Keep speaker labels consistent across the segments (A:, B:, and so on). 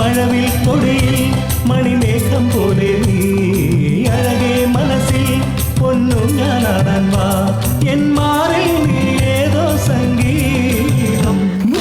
A: മഴവിൽ കൊടിയിൽ മണിമേഘം പോലെ നീ അഴകേ മനസ്സിൽ പൊന്നു ഞാനാടാൻ വാ എൻ മാറിൽ നീ ഏതോ സംഗീതം.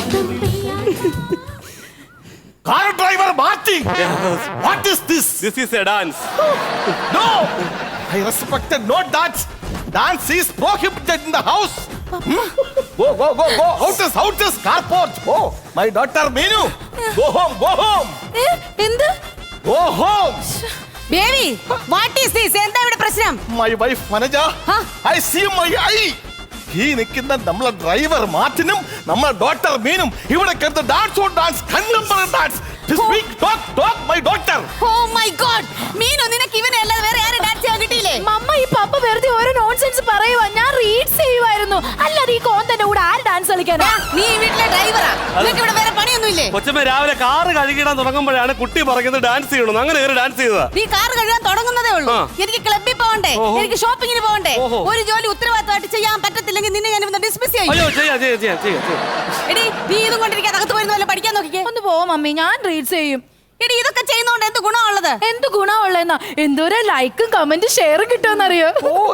B: Car driver Martin! What is this?
C: This is a dance.
B: No! I respected no dance. Dance is prohibited in the house. Go. Out is carport. Go. My daughter Meenu. Go home.
D: എന്ത്
B: Go home.
D: Baby what is this? എന്താ ഇവിടെ പ്രശ്നം?
B: My wife Manaja.
D: Huh?
B: I see my eye. ഈ നിൽക്കുന്ന നമ്മളെ driver മാർട്ടിനും നമ്മളെ doctor മീനും ഇവിടെ കരുത് dance contemporary dance talk my doctor.
D: Oh my God, Meenu നിനക്ക് ഇവനെ അല്ലാതെ വേറെ ആരെ ഡാൻസ് ചെയ്യാൻ കിട്ടിയില്ലേ?
E: മമ്മ ഈ പപ്പ വെറുതെ ഓരോ നോൺസെൻസ് പറയുവാ. ഞാൻ റീഡ്സ് ചെയ്യുമായിരുന്നു. അല്ലാതെ ഈ കോന്തന്റെ കൂടെ ആര് ഡാൻസ് കളിക്കാനാ?
D: നീ ഈ വീട്ടിലെ ഡ്രൈവറാ, നിനക്ക് ഇവിടെ വേറെ പണിയൊന്നുമില്ലേ?
C: കൊച്ചമ്മ രാവിലെ കാറ് കഴുകിടാൻ തുടങ്ങുമ്പോഴാണ് കുട്ടി പറയുന്നത് ഡാൻസ് ചെയ്യണം. അങ്ങനെ ഒരു ഡാൻസ് ചെയ്തതാ.
D: നീ കാർ കഴുകാൻ തുടങ്ങുന്നതേ ഉള്ളൂ. എനിക്ക് ക്ലബ്ബിൽ പോകണ്ടേ, എനിക്ക് ഷോപ്പിങ്ങിന് പോകണ്ടേ. ഒരു ജോലി ഉത്തരവാദിത്തമായിട്ട് ചെയ്യാൻ പറ്റത്തില്ലെങ്കിൽ നിന്നെ ഞാൻ ഇന്ന് ഡിസ്മിസ് ചെയ്യും.
C: അയ്യോ ചെയ്യാം.
D: എടി നീ ഇതും കൊണ്ടിരിക്കാൻ അകത്ത് പോയിരുന്ന വല്ല പഠിക്കാൻ നോക്കിക്കേ.
E: ഒന്ന് പോവാ മമ്മി, ഞാൻ റീഡ്സ് ചെയ്യും.
D: എടി ഇതൊക്കെ ചെയ്യുന്നോണ്ട് എന്ത് ഗുണമുള്ളത്?
E: എന്ത് ഗുണമുള്ളതെന്നാ? എന്തോരം ലൈക്കും കമന്റും ഷെയറും കിട്ടുമെന്നറിയോ?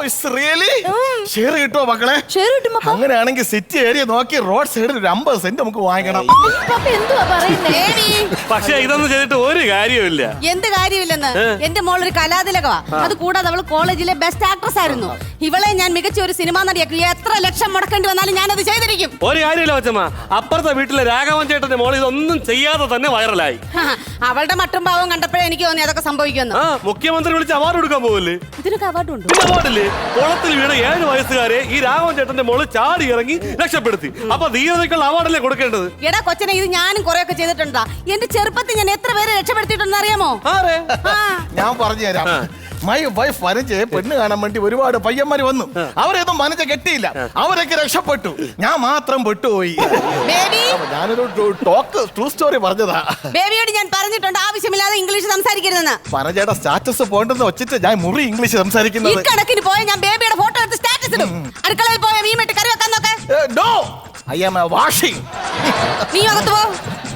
B: ഷെയർ കിട്ടുമോ മക്കളെ?
E: ഷെയർ കിട്ടും പപ്പ.
B: അങ്ങനെയാണെങ്കിൽ സിറ്റി ഏരിയ നോക്കി റോഡ് സൈഡിൽ ഒരു 50 സെന്റ് നമുക്ക് വാങ്ങിക്കണം.
E: പപ്പ എന്തുവാ പറയുന്നേ?
C: പക്ഷെ ഇതൊന്നും ചെയ്തിട്ട് ഒരു കാര്യമില്ല.
D: എന്ത് കാര്യമില്ലെന്ന്? എന്റെ മോൾ ഒരു കലാതിലകവാ. അത് കൂടാതെ അവള് കോളേജിലെ ബെസ്റ്റ് ആക്ട്രസ് ആയിരുന്നു. ഇവളെ ഞാൻ മികച്ച ഒരു സിനിമാ നടിയാക്കി എത്ര ലക്ഷം മുടക്കേണ്ടി വന്നാലും ഞാനത് ചെയ്തിരിക്കും.
C: ഒരു കാര്യമില്ല കൊച്ചമ്മ, അപ്പുറത്തെ വീട്ടിലെ രാഘവൻ ചേട്ടന്റെ മോൾ ഇതൊന്നും ചെയ്യാതെ തന്നെ വൈറലായി.
D: അവളുടെ മട്ടും ഭാവം കണ്ടപ്പോഴേ എനിക്ക് തോന്നി അതൊക്കെ സംഭവിക്കുന്നു.
C: മുഖ്യമന്ത്രി വിളിച്ച് അവാർഡ് കൊടുക്കാൻ പോകല്ലേ?
D: ഇതിനൊക്കെ അവാർഡ് ഉണ്ട്.
C: അവാർഡില്ലേ? കുളത്തിൽ വീണ 7 വയസ്സുകാരെ ഈ രാഘവൻ ചേട്ടന്റെ മോള് ചാടി ഇറങ്ങി രക്ഷപ്പെടുത്തി. അപ്പൊ ധീരതയ്ക്കുള്ള അവാർഡല്ലേ കൊടുക്കേണ്ടത്?
D: എടാ കൊച്ചനെ, ഇത് ഞാനും കുറെ ഒക്കെ ചെയ്തിട്ടുണ്ടാ. എന്റെ ചെറുപ്പത്തിൽ ഞാൻ എത്ര പേരെ രക്ഷപ്പെടുത്തിയിട്ടുണ്ടെന്ന് അറിയാമോ?
B: ഞാൻ പറഞ്ഞുതരാം. മൈ വൈഫ് വനജയെ പെണ്ണ് കാണാൻ വേണ്ടി ഒരുപാട് പയ്യന്മാര് വന്നു. അവരെയൊന്നും വനജ കെട്ടിയില്ല, അവരൊക്കെ രക്ഷപ്പെട്ടു. ഞാൻ മാത്രം പെട്ടുപോയി. ഞാനൊരു ട്രൂ സ്റ്റോറി പറഞ്ഞതാ.
D: ബേബിയോട് ഞാൻ പറഞ്ഞിട്ടുണ്ട് ആവശ്യമില്ലാതെ ഇംഗ്ലീഷ് സംസാരിക്കരുതെന്ന്.
B: വനജയുടെ സ്റ്റാറ്റസ് പോകണ്ടെന്ന് വെച്ചിട്ട് ഞാൻ മുറി ഇംഗ്ലീഷ് സംസാരിക്കുന്നത്.
D: കണക്കിന് പോയ ഞാൻ ബേബിയുടെ ഫോട്ടോ എടുത്ത് സ്റ്റാറ്റസ് ഇടും. അടുക്കളയിൽ പോയ വീമിട്ട് കറി വെക്കാൻ നോക്കെ.
B: No, I am washing.
D: നീ അകത്ത് പോ.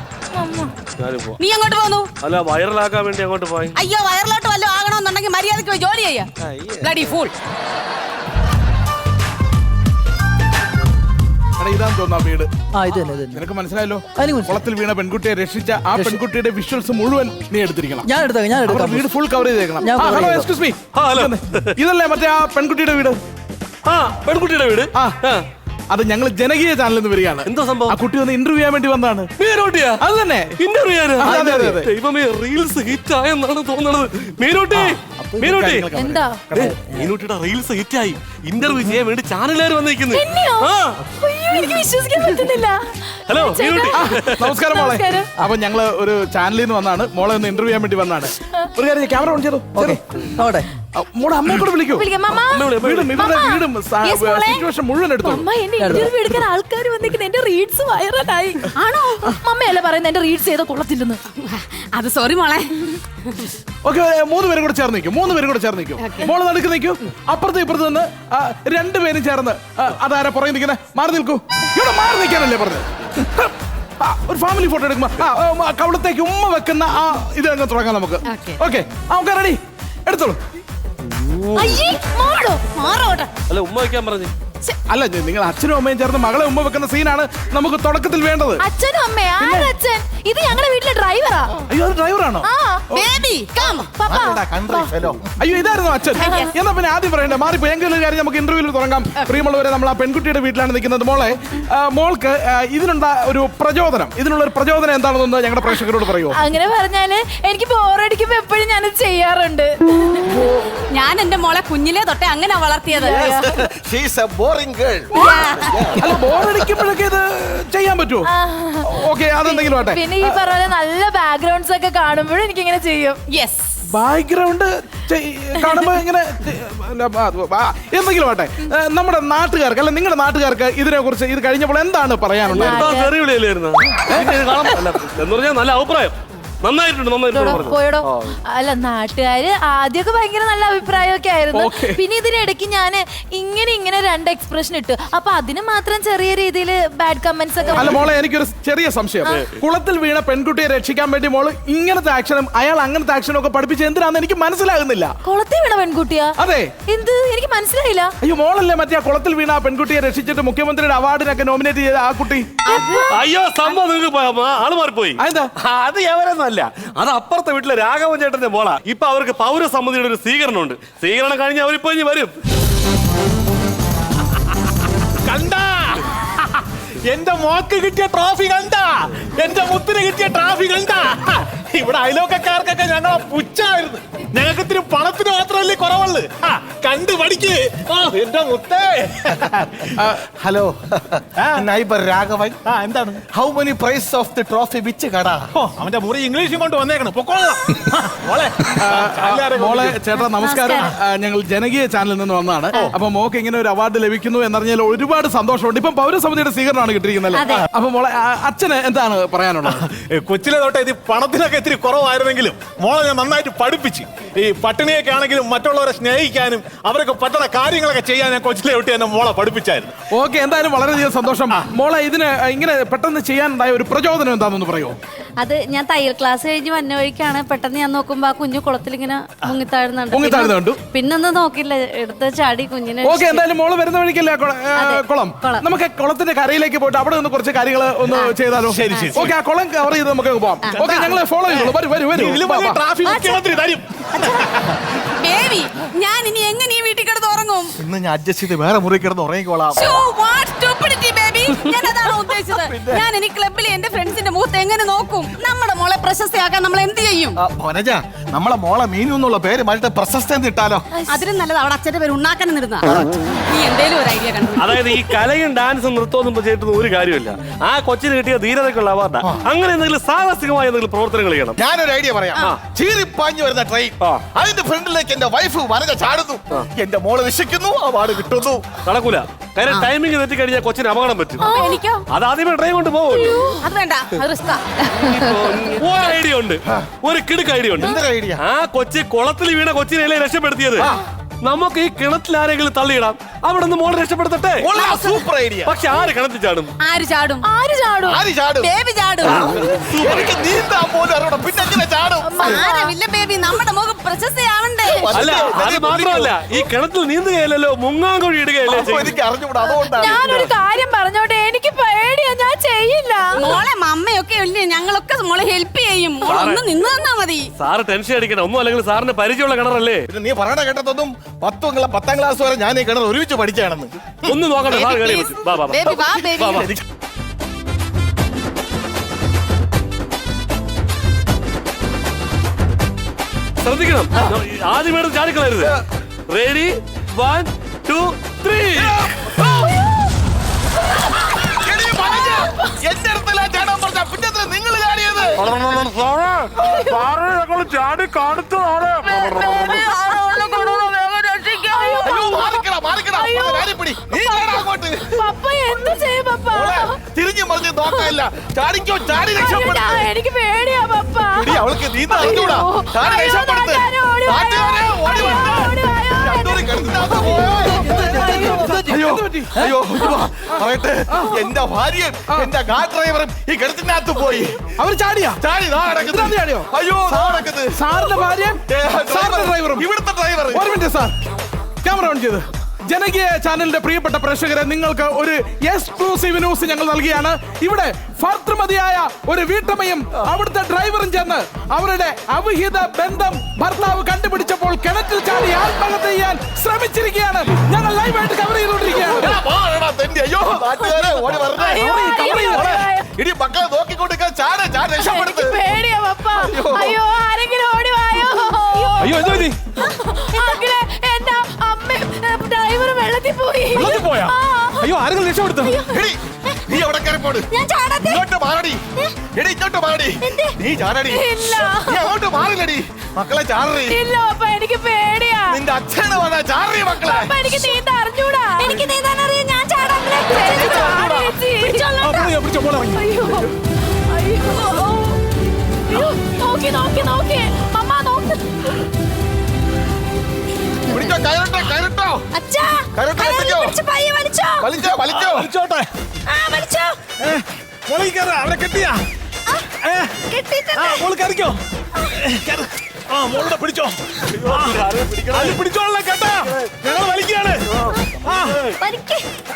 D: നീ അങ്ങോട്ട് പോന്നു.
C: അല്ല, വൈറലാക്കാൻ വേണ്ടി അങ്ങോട്ട് പോയി.
D: അയ്യോ, വയറിലോട്ട് വല്ലതും ആകണമെന്നുണ്ടെങ്കിൽ മര്യാദയ്ക്ക് പോയി ജോലി ചെയ്യാ. Bloody fool.
F: ഇതാന്ന് തോന്നാ വീട്.
G: ഇത് തന്നെ.
F: നിനക്ക് മനസ്സിലായല്ലോ? കുളത്തിൽ വീണ പെൺകുട്ടിയെ രക്ഷിച്ച ആ പെൺകുട്ടിയുടെ വിഷ്വൽസ് മുഴുവൻ നീ എടുത്തിരിക്കണം.
G: ഞാൻ എടുക്കാം.
F: വീട് ഫുൾ കവർ ചെയ്തേക്കണം.
G: Hello,
F: excuse me. ഇതല്ലേ മറ്റേ ആ പെൺകുട്ടിയുടെ വീട്?
C: പെൺകുട്ടിയുടെ വീട്?
F: അത് ഞങ്ങൾ ജനകീയ ചാനലിൽ നിന്ന് വരികയാണ്.
C: എന്താ സംഭവം?
F: ആ കുട്ടി ഒന്ന് ഇന്റർവ്യൂ ചെയ്യാൻ വേണ്ടി വന്നതാണ്.
C: അത് തന്നെ ഇന്റർവ്യൂ
F: ചെയ്യാൻ.
C: ദൈവമേ, റീൽസ് ഹിറ്റ് ആയെന്നാണ് തോന്നുന്നത്. മീനൂട്ടി,
E: എന്താ?
C: മീനൂട്ടിയുടെ റീൽസ് ഹിറ്റ് ആയി. ഇന്റർവ്യൂ ചെയ്യാൻ വേണ്ടി ചാനലുകാർ വന്നിരിക്കുന്നു.
E: എനിക്ക് വിശ്വസിക്കാൻ പറ്റുന്നില്ല.
C: ഹലോ
F: നമസ്കാരം മോളെ. അപ്പൊ ഞങ്ങള് ഒരു ചാനലിൽ നിന്ന് വന്നാണ്. മോളെ ഒന്ന് ഇന്റർവ്യൂ ചെയ്യാൻ വേണ്ടി വന്നാണ്. ഒരു കാര്യം, ക്യാമറ ഓൺ ചെയ്തോ. മോളെ അമ്മയെ കൂടെ വിളിക്കൂ. വീടും സിറ്റുവേഷൻ മുഴുവൻ എടുത്തു.
E: ഇന്റർവ്യൂ എടുക്കാൻ ആൾക്കാർ വന്നിരിക്കുന്നു. എന്റെ റീഡ്സ് വൈറലായി. ആണോ? മമ്മയല്ലേ പറയുന്നത് എന്റെ റീഡ്സ് ചെയ്ത കൊള്ളത്തില്ലെന്ന്?
D: അത് സോറി മോളെ.
F: ഓക്കെ, 3 പേരും കൂടെ ചേർന്ന് നിൽക്കും. മോള് നടുക്ക് നിൽക്കൂ. അപ്പുറത്ത് ഇപ്പുറത്ത് നിന്ന് 2 പേരും ചേർന്ന് അതാരാ പുറകെ നിൽക്കുന്നത്? മാറി നിൽക്കൂ. ഇവിടെ മാറി നിൽക്കാനല്ലേ പറഞ്ഞത്? ഒരു ഫാമിലി ഫോട്ടോ എടുക്കുമ്പോ കവിളത്തേക്ക് ഉമ്മ വെക്കുന്ന ആ ഇത് അങ്ങ് തുടങ്ങാം നമുക്ക്. ഓക്കെ, നമുക്ക് റെഡി. എടുത്തോളൂ.
C: അല്ല, ഉമ്മ വയ്ക്കാൻ പറഞ്ഞു.
F: അല്ല, നിങ്ങൾ അച്ഛനും അമ്മയും ചേർന്ന് മകളെ ഉമ്മ വെക്കുന്ന സീനാണ് നമുക്ക് തുടക്കത്തിൽ വേണ്ടത്.
E: അച്ഛനും അമ്മയും? അച്ഛൻ ഇത് ഞങ്ങളുടെ വീട്ടിലെ ഡ്രൈവറാ.
F: അയ്യോ, അത് ഡ്രൈവറാണോ? അയ്യോ, ഇതായിരുന്നു അച്ഛൻ. എന്നാ പിന്നെ ആദ്യം പറയണ്ടേ? മാറിപ്പോ. എങ്കിലും ഒരു കാര്യം, നമുക്ക് ഇന്റർവ്യൂവിൽ തുടങ്ങാം. പ്രിയമുള്ളവരെ, നമ്മൾ ആ പെൺകുട്ടിയുടെ വീട്ടിലാണ് നിൽക്കുന്നത്. മോൾക്ക് ഇതിനുള്ള ഒരു പ്രചോദനം എന്താണെന്ന് ഞങ്ങളുടെ പ്രേക്ഷകരോട് പറയുമോ?
E: അങ്ങനെ പറഞ്ഞാല് എനിക്ക് ബോറടിക്കുമ്പോ എപ്പോഴും ഞാനത് ചെയ്യാറുണ്ട്.
D: ഞാൻ എന്റെ മോളെ കുഞ്ഞിലേ തൊട്ടേ അങ്ങനെ വളർത്തിയത്.
F: അല്ല, ബോറടിക്കുമ്പോഴൊക്കെ ഇത് ചെയ്യാൻ പറ്റുമോ? ഓക്കെ, അതെന്തെങ്കിലും ആട്ടെ.
E: പിന്നെ ഈ പറഞ്ഞ നല്ല ബാക്ക്ഗ്രൗണ്ട്സ് ഒക്കെ കാണുമ്പോഴും എനിക്ക് ഇങ്ങനെ ചെയ്യും.
D: യെസ്,
F: ബാക്ക്ഗ്രൗണ്ട് കാണുമ്പോ ഇങ്ങനെ എന്തെങ്കിലും ആട്ടെ. നമ്മുടെ നാട്ടുകാർക്ക്, അല്ല നിങ്ങളുടെ നാട്ടുകാർക്ക് ഇതിനെ കുറിച്ച് ഇത് കഴിഞ്ഞപ്പോൾ എന്താണ് പറയാനുള്ളത്?
C: നല്ല അഭിപ്രായം. നന്നായിട്ടുണ്ട് പറഞ്ഞു.
E: പോയടോ. അല്ല, നാട്ടുകാര് ആദ്യമൊക്കെ ഭയങ്കര നല്ല അഭിപ്രായമൊക്കെ ആയിരുന്നു. പിന്നെ ഇതിനിടയ്ക്ക് ഞാൻ ഇങ്ങനെ 2 എക്സ്പ്രഷൻ ഇട്ടു. അപ്പൊ അതിന് മാത്രം ചെറിയ രീതിയിൽ ബാഡ് കമന്റ്സ് ഒക്കെ.
F: അല്ല മോളെ, എനിക്കൊരു ചെറിയ സംശയം. കുളത്തിൽ വീണ പെൺകുട്ടിയെ രക്ഷിക്കാൻ വേണ്ടി മോള് ഇങ്ങനത്തെ ആക്ഷനും അയാൾ അങ്ങനത്തെ ആക്ഷനും ഒക്കെ പഠിപ്പിച്ച് എന്തിനാന്ന് എനിക്ക് മനസ്സിലാകുന്നില്ല.
E: കുളത്തിൽ വീണ പെൺകുട്ടിയാ?
F: അതെ.
E: എന്ത്? എനിക്ക് മനസ്സിലായില്ല.
F: അയ്യോ, മോളല്ലേ മറ്റേ ആ കുളത്തിൽ വീണ ആ പെൺകുട്ടിയെ രക്ഷിച്ചിട്ട് മുഖ്യമന്ത്രിയുടെ അവാർഡിനൊക്കെ നോമിനേറ്റ് ചെയ്ത ആ കുട്ടി?
C: അയ്യോ, സംഭവം നിങ്ങൾക്ക് ആള് മാറിപ്പോയി.
F: അതെന്താ?
C: അത് എവരൊന്നല്ല, അത് അപ്പുറത്തെ വീട്ടിലെ രാഘവൻ ചേട്ടന്റെ മോളാ. ഇപ്പൊ അവർക്ക് പൗരസമിതിയുടെ ഒരു സ്വീകരണം ഉണ്ട്. സ്വീകരണം കഴിഞ്ഞ് അവരിപ്പോ ഇനി വരും.
B: കണ്ടാ എന്റെ മോക്ക് കിട്ടിയ ട്രോഫി കണ്ടാ? എന്റെ മുത്തിന് കിട്ടിയ ട്രോഫി കണ്ടാ? ഇവിടെ അയലോക്കാർക്കൊക്കെ ഞങ്ങളെ പുച്ഛായിരുന്നു. ഞങ്ങൾക്ക് ഇത്തിരി പണത്തിന് മാത്രമല്ലേ കുറവുള്ളു. കണ്ടു പഠിക്ക്. എന്റെ മുത്തേ. Hello, neighbour Raghavan. എന്താണ്? How many price of the trophy which കട? അവന്റെ മുറി ഇംഗ്ലീഷും കൊണ്ട് വന്നേക്കണം.
F: മോളെ ചേട്ടാ നമസ്കാരം. ഞങ്ങൾ ജനകീയ ചാനലിൽ നിന്ന് വന്നതാണ്. അപ്പൊ മോക്ക് ഇങ്ങനെ ഒരു അവാർഡ് ലഭിക്കുന്നു എന്നറിഞ്ഞാൽ ഒരുപാട് സന്തോഷമുണ്ട്. ഇപ്പം പൗരസമിതിയുടെ സ്വീകരണമാണ് കിട്ടിയിരിക്കുന്നത്. അപ്പൊ മോളെ അച്ഛന് എന്താണ് പറയാനുള്ളത്?
B: കൊച്ചിലെ തൊട്ടേ ഇത് പണത്തിനൊക്കെ ഇത്തിരി കുറവായിരുന്നെങ്കിലും മോളെ ഞാൻ നന്നായിട്ട് പഠിപ്പിച്ച് ഈ പട്ടിണിയൊക്കെ ആണെങ്കിലും മറ്റുള്ളവരെ സ്നേഹിക്കാനും അവരൊക്കെ പറ്റുന്ന കാര്യങ്ങളൊക്കെ ചെയ്യാൻ ഞാൻ കൊച്ചിലെ തൊട്ട് തന്നെ മോളെ പഠിപ്പിച്ചായിരുന്നു.
F: ഓക്കെ, എന്തായാലും വളരെയധികം സന്തോഷം. മോളെ ഇതിന് ഇങ്ങനെ പെട്ടെന്ന് ചെയ്യാനുണ്ടായ ഒരു പ്രചോദനം എന്താണെന്ന് പറയുമോ?
D: അത് ഞാൻ തയ്യൽ ക്ലാസ് കഴിഞ്ഞ് വന്ന വഴിക്കാണ് പെട്ടെന്ന് ഞാൻ നോക്കുമ്പോ ആ കുഞ്ഞു കുളത്തിൽ ഇങ്ങനെ മുങ്ങിത്താഴുന്നുണ്ട്. പിന്നൊന്നും നോക്കില്ല, എടുത്ത് ചാടി കുഞ്ഞിനെ.
F: ഓക്കെ, എന്തായാലും മോള് വരുന്ന വഴിക്കല്ലേ കുളം? നമുക്ക് കുളത്തിന്റെ കരയിലേക്ക് പോയിട്ട് അവിടെ നിന്ന് കുറച്ച് കാര്യങ്ങൾ ഒന്ന് ചെയ്താലോ?
B: ശരി.
F: ഓക്കെ, ആ കുളം കവർ ചെയ്ത് നമുക്ക് പോവാം. ഓക്കെ, ഞങ്ങളെ ഫോളോ ചെയ്തോളൂ.
D: ബേബി, ഞാൻ ഇനി എങ്ങനെ ഈ വീട്ടിൽ കിടന്ന് ഉറങ്ങും?
B: ഇന്ന് ഞാൻ അഡ്ജസ്റ്റ് ചെയ്ത് വേറെ മുറി കിടന്ന് ഉറങ്ങിക്കോളാം.
D: ഞാൻ അതാണ് ഉദ്ദേശിച്ചത്. ഞാൻ ഇനി ക്ലബിലെ എന്റെ ഫ്രണ്ട്സിന്റെ മുഖത്ത് എങ്ങനെ നോക്കും? നമ്മുടെ മോളെ പ്രശസ്തയാക്കാൻ നമ്മൾ എന്ത് ചെയ്യും?
B: വനജ, നമ്മളെ മോളെ മീനു എന്നുള്ള പേര് മാറ്റിട്ട് പ്രശസ്തി എന്ന് ഇട്ടാലോ?
D: അതിലും നല്ലത് അവിടെ അച്ഛന്റെ പേര് ഉണ്ടാക്കാൻ നിരുന്ന. നീ എന്തേലും ഒരു ഐഡിയ കണ്ടു.
C: അതായത് ഈ കലയും ഡാൻസും നൃത്തവും ചെയ്തിട്ട് ഒരു കാര്യമില്ല. ആ കൊച്ചിന് കിട്ടിയ ധീരതയ്ക്കുള്ള അവാർഡാ. അങ്ങനെ എന്തെങ്കിലും സാഹസികമായ എന്തെങ്കിലും പ്രവർത്തനങ്ങൾ ചെയ്യണം.
B: ഞാനൊരു ഐഡിയ പറയാം. ചീറിപ്പാഞ്ഞു വരുന്ന ട്രെയിൻ, അതിന്റെ ഫ്രണ്ടിലേക്ക് എന്റെ വൈഫ് വനജ ചാടുന്നു. എന്റെ മോള് വിശക്കുന്നു, അവാർഡ് കിട്ടുന്നു.
C: നടക്കൂല. കാര്യം ടൈമിംഗ് തെറ്റി കഴിഞ്ഞാൽ കൊച്ചിന് അപകടം പറ്റും.
D: എനിക്കോ?
C: അത് ആദ്യമേ ട്രെയിൻ കൊണ്ട് പോകുമല്ലോ.
D: അത് വേണ്ട, അത് റിസ്കാ.
C: ഒരു ഐഡിയ ഉണ്ട്, ഒരു കിടുക്ക് ഐഡിയ ഉണ്ട്.
B: എന്തൊരു ഐഡിയ?
C: ആ കൊച്ചി കുളത്തിൽ വീണ കൊച്ചിനെയല്ലേ രക്ഷപ്പെടുത്തിയത്. നമുക്ക് ഈ കിണറ്റിൽ ആരെങ്കിലും തള്ളിയിടാം, അവിടെ നിന്ന് മോളെ രക്ഷപ്പെടുത്തട്ടെ.
B: Super idea.
C: പക്ഷെ ആര് കിണറ്റിൽ ചാടും?
D: ആര് ചാടും? ബേബി ചാടും.
B: എനിക്ക് നീന്താൻ പോലും അറിയണം, പിന്നെ എങ്ങനെ ചാടും?
D: സാരമില്ല ബേബി, നമ്മുടെ മുഖം പ്രശസ്തയാവണ്ടേ?
C: അല്ല, അത് മാത്രമല്ല, ഈ കിണറ്റിൽ നീന്തുകയല്ലോ, മുങ്ങാൻ കൊഴി ഇടുകയല്ലേ.
B: എനിക്ക് അറിഞ്ഞുകൂടാ, അതുകൊണ്ടാണ്.
E: ഞാനൊരു കാര്യം പറഞ്ഞോട്ടെ, എനിക്ക് പേടിയാ, ഞാൻ ചെയ്യില്ല.
D: മോളെ മമ്മയൊക്കെ ഇല്ലേ, ഞങ്ങളൊക്കെ മോളെ ഹെൽപ്പ് ചെയ്യും. ഒന്ന് നിന്ന് തന്നാ മതി.
C: സാറ് ടെൻഷൻ അടിക്കണം. ഒന്നും അല്ലെങ്കിൽ സാറിന് പരിചയമുള്ള കിണറല്ലേ.
B: പിന്നെ നീ പറയണ കേട്ടതൊന്നും 10ാം ക്ലാസ് വരെ ഞാൻ ഈ കിണർ ഒരുമിച്ച് പഠിച്ചാണെന്ന്.
C: ഒന്ന് നോക്കണ്ട, സാർ കയറി പറ്റും.
D: ബേബി വാ ബേബി.
C: ശ്രദ്ധിക്കണം, ആദ്യം വേണം ചാടിക്കളരുത്. റെഡി, 1, 2, 3.
B: എന്റെ അടുത്തല്ല ചാടാൻ പറഞ്ഞ, പിന്നെ നിങ്ങൾ ചാടിയത്?
C: ചാടി കാണിച്ചതാണ്.
B: തിരിഞ്ഞു മറിഞ്ഞ് നോക്കാനില്ല. ചാടിക്കോ, ചാടി രക്ഷപ്പെടുത്ത.
E: എനിക്ക് പേടിയാ പപ്പ.
B: അവൾക്ക് നീന്താ അറിഞ്ഞൂടാ. ചാടി രക്ഷപ്പെടുത്ത്. അയ്യോ, പറയട്ടെ, എന്റെ ഭാര്യയും എന്റെ കാർ ഡ്രൈവറും ഈ കിടത്തിനകത്ത് പോയി.
F: അവർ ചാടി
B: ചാടിയോ? അയ്യോ,
F: സാറിന്റെ ഭാര്യയും സാറിന്റെ ഡ്രൈവറും.
B: ഇവിടുത്തെ ഡ്രൈവർ.
F: ഒരു മിനിറ്റ് സാർ, ക്യാമറ ഓൺ ചെയ്ത്. ജനകീയ ചാനലിന്റെ പ്രിയപ്പെട്ട പ്രേക്ഷകരെ, നിങ്ങൾക്ക് ഒരു എക്സ്ക്ലൂസീവ് ന്യൂസ് ഞങ്ങൾ നൽകിയാണ്. ഇവിടെ ഭർത്തൃമതിയായ ഒരു വീട്ടമ്മയും അവിടുത്തെ ഡ്രൈവറും ചേർന്ന് അവരുടെ അവിഹിത ബന്ധം ഭർത്താവ് കണ്ടുപിടിച്ചപ്പോൾ കിണറ്റിൽ ചാടി ആത്മഹത്യ ചെയ്യാൻ ശ്രമിച്ചിരിക്കുകയാണ്. ഞങ്ങൾ ലൈവായിട്ട് കവർ ചെയ്തുകൊണ്ടിരിക്കുകയാണ്.
B: ഇനി മക്കളെ നോക്കിക്കൊണ്ടിരിക്കാൻ ചാട്, ചാടി രക്ഷപ്പെടുത്ത്.
E: പേടിയാ പപ്പ. അയ്യോ, ആരെങ്കിലും ഓടി വായോ.
F: അയ്യോ, എന്തോ
E: എന്റെ അമ്മ ഡ്രൈവർ വെള്ളത്തിൽ പോയി.
F: അയ്യോ, ആരെങ്കിലും രക്ഷപ്പെടുത്തും.
B: നീ അവിടെ കയറിപ്പോട്. ഇങ്ങോട്ട് മാറടി. എടി, ഇങ്ങോട്ട് മാറടി. നീ ചാടടി. നീ അങ്ങോട്ട് മാറില്ലടി. മക്കളെ ചാടറി.
E: ഇല്ല പപ്പ, എനിക്ക് പേടിയാ.
B: നിന്റെ അച്ഛനെ വന്നാ ചാടറി മക്കളെ.
E: എനിക്ക് നീന്താൻ അറിഞ്ഞൂടാ. എനിക്ക് നീന്താൻ അറിയാം, ഞാൻ ചാടാൻ. നോക്കി മമ്മ നോക്ക്.
B: പിടിച്ചോ, കയറട്ടോ.
D: അച്ഛാ
B: കയറട്ടെ,
D: കയറി
B: എത്തിക്കോ.
D: പിടിച്ച് പയ്യെ വലിച്ചോ.
B: വലിച്ചോ.
F: വിളിച്ചോട്ടെ.
D: ആ വലിച്ചോ.
F: മോളിൽ കയറാ, അവരെ കെട്ടിയാ.
D: കെട്ടിയിട്ടുണ്ട്.
F: മോള് കയറിക്കോ. മോളുടെ പിടിച്ചോ. അത് പിടിച്ചോളാം കേട്ടാ. ഞങ്ങൾ വലിക്കുകയാണ്.
D: വലിക്ക്.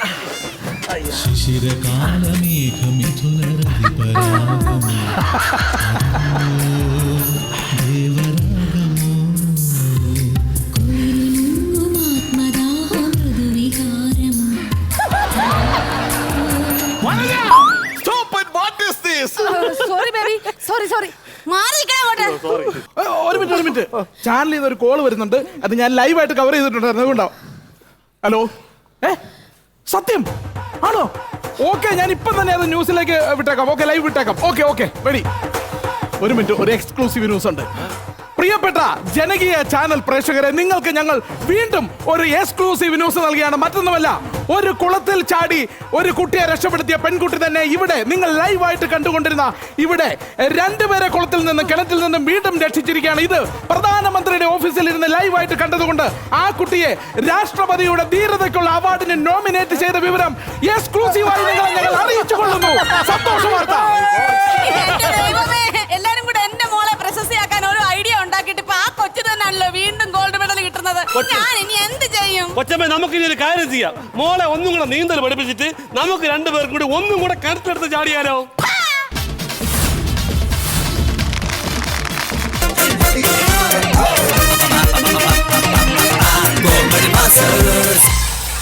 B: Stupid, what is this?
D: Sorry baby, sorry മാറി നിൽക്കണം അങ്ങോട്ട്.
F: ഒരു മിനിറ്റ് ചാനലിൽ നിന്ന് ഒരു കോള് വരുന്നുണ്ട്. അത് ഞാൻ ലൈവായിട്ട് കവർ ചെയ്തിട്ടുണ്ടായിരുന്നു. അതുകൊണ്ടാവും. ഹലോ, സത്യം ആണോ? ഓക്കെ, ഞാൻ ഇപ്പം തന്നെ അത് ന്യൂസിലേക്ക് വിട്ടേക്കാം. ഓക്കെ, ലൈവ് വിട്ടേക്കാം. Okay ready. ഒരു മിനിറ്റ്, ഒരു എക്സ്ക്ലൂസീവ് ന്യൂസ് ഉണ്ട്. പ്രിയപ്പെട്ട ജനകീയ ചാനൽ പ്രേക്ഷകരെ, നിങ്ങൾക്ക് ഞങ്ങൾ വീണ്ടും ഒരു എക്സ്ക്ലൂസീവ് ന്യൂസ് നൽകിയാണ്. മറ്റൊന്നുമല്ല, ഒരു കുളത്തിൽ ചാടി ഒരു കുട്ടിയെ രക്ഷപ്പെടുത്തിയ പെൺകുട്ടി തന്നെ ഇവിടെ നിങ്ങൾ ലൈവായിട്ട് കണ്ടുകൊണ്ടിരുന്ന ഇവിടെ രണ്ടുപേരെ കുളത്തിൽ നിന്നും കിണറ്റിൽ നിന്നും വീണ്ടും രക്ഷിച്ചിരിക്കുകയാണ്. ഇത് പ്രധാനമന്ത്രിയുടെ ഓഫീസിൽ ഇരുന്ന് ലൈവായിട്ട് കണ്ടതുകൊണ്ട് ആ കുട്ടിയെ രാഷ്ട്രപതിയുടെ ധീരതയ്ക്കുള്ള അവാർഡിന് നോമിനേറ്റ് ചെയ്ത വിവരം എക്സ്ക്ലൂസീവായി ഞങ്ങൾ അറിയിച്ചു കൊള്ളുന്നു. സന്തോഷ വാർത്ത.
D: എന്റെ ദൈവമേ, എല്ലാരും കൂടെ എന്റെ മോളെ പ്രശസ്തിയാക്കാൻ ഒരു ഐഡിയ ഉണ്ടാക്കിയിട്ട് ഇപ്പൊ ആ കൊച്ചു തന്നെയാണല്ലോ വീണ്ടും ഗോൾഡ് മെഡൽ കിട്ടുന്നത്. ഞാൻ ഇനി എന്ത് ചെയ്യും?
C: കൊച്ചമ്മ, നമുക്ക് ഇനി ഒരു കാര്യം ചെയ്യാം. മോളെ ഒന്നും കൂടെ നീന്തൽ പഠിപ്പിച്ചിട്ട് നമുക്ക് രണ്ടുപേർക്കും കൂടി ഒന്നും കൂടെ കിണറ്റിലെടുത്ത് ചാടിയാലോ?